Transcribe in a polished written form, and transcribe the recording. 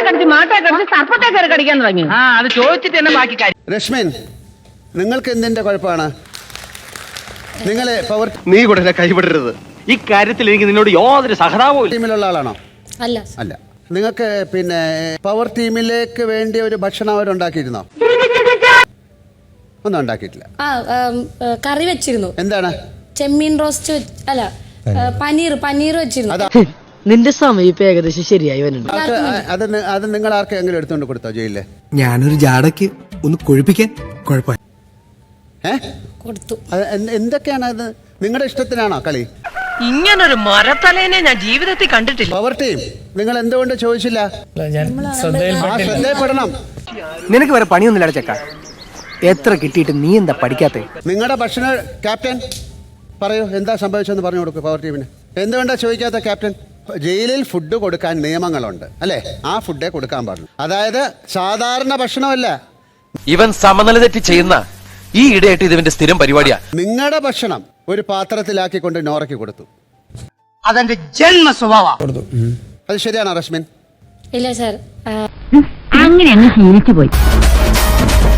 കടിച്ച് മാട്ടെ കടിച്ച് സർപ്പത്തെ കയറി കടിക്കാൻ തുടങ്ങി. അത് ചോദിച്ചിട്ട് തന്നെ ബാക്കി കാര്യം. രശ്മിൻ, നിങ്ങൾക്ക് എന്തിന്റെ കുഴപ്പമാണ്? നിങ്ങളെ പവർ നീ കൂടെ കൈവിടരുത്. ഈ കാര്യത്തിൽ എനിക്ക് നിന്നോട് യാതൊരു സഹതാപവും ഇല്ല. ടീമിലുള്ള ആളാണോ? അല്ല. അല്ല. നിങ്ങൾക്ക് പിന്നെ പവർ ടീമിലേക്ക് വേണ്ടി ഒരു ഭക്ഷണം അവരുണ്ടാക്കിയിരുന്നോ? ഒന്നും ഉണ്ടാക്കിയിട്ടില്ല. കറി വെച്ചിരുന്നു. എന്താണ്? ചെമ്മീൻ റോസ്റ്റ് അല്ല, പനീർ വെച്ചിരുന്നു. അതാ നിന്റെ സമയം ഇപ്പൊ ഏകദേശം ശരിയായി വരുന്നുണ്ട്. അത് നിങ്ങൾ ആർക്കെങ്കിലും എടുത്തുകൊണ്ട് കൊടുത്തോ ജയിലില്? ഞാനൊരു ജാടയ്ക്ക് ഒന്ന് കൊഴിപ്പിക്കാൻ കുഴപ്പമില്ല. കൊടുത്തു. എന്തൊക്കെയാണ് അത്? നിങ്ങളുടെ ഇഷ്ടത്തിനാണോ കളി? ഇങ്ങനൊരു മരത്തലേനെ ഞാൻ ജീവിതത്തിൽ കണ്ടിട്ടില്ല. പവർ ടീം നിങ്ങൾ എന്തുകൊണ്ട് ചോദിച്ചില്ല? ശ്രദ്ധയിൽപ്പെടണം. നിനക്ക് വേറെ പണിയൊന്നുമില്ല ചെക്ക. എത്ര കിട്ടിയിട്ട് നീ എന്താ പഠിക്കാത്ത? നിങ്ങളുടെ ഭക്ഷണ ക്യാപ്റ്റൻ പറയൂ, എന്താ സംഭവിച്ചെന്ന് പറഞ്ഞു കൊടുക്കൂ പവർ ടീമിന്. എന്തുകൊണ്ടാ ചോദിക്കാത്ത ക്യാപ്റ്റൻ? ജയിലിൽ ഫുഡ് കൊടുക്കാൻ നിയമങ്ങളുണ്ട് അല്ലേ? ആ ഫുഡേ കൊടുക്കാൻ പാടുള്ളൂ. അതായത് സാധാരണ ഭക്ഷണമല്ല. ഇവൻ സമനില തെറ്റി ചെയ്യുന്ന ഈ ഇടയായിട്ട് ഇതിന്റെ സ്ഥിരം പരിപാടിയാ. നിങ്ങളുടെ ഭക്ഷണം ഒരു പാത്രത്തിലാക്കിക്കൊണ്ട് നോറയ്ക്ക് കൊടുത്തു. അതെന്റെ ജന്മ സ്വഭാവം. അത് ശരിയാണോ റശ്മിൻ? ഇല്ല സാർ. അങ്ങനെ അങ്ങ് ശീലിച്ചു പോയി.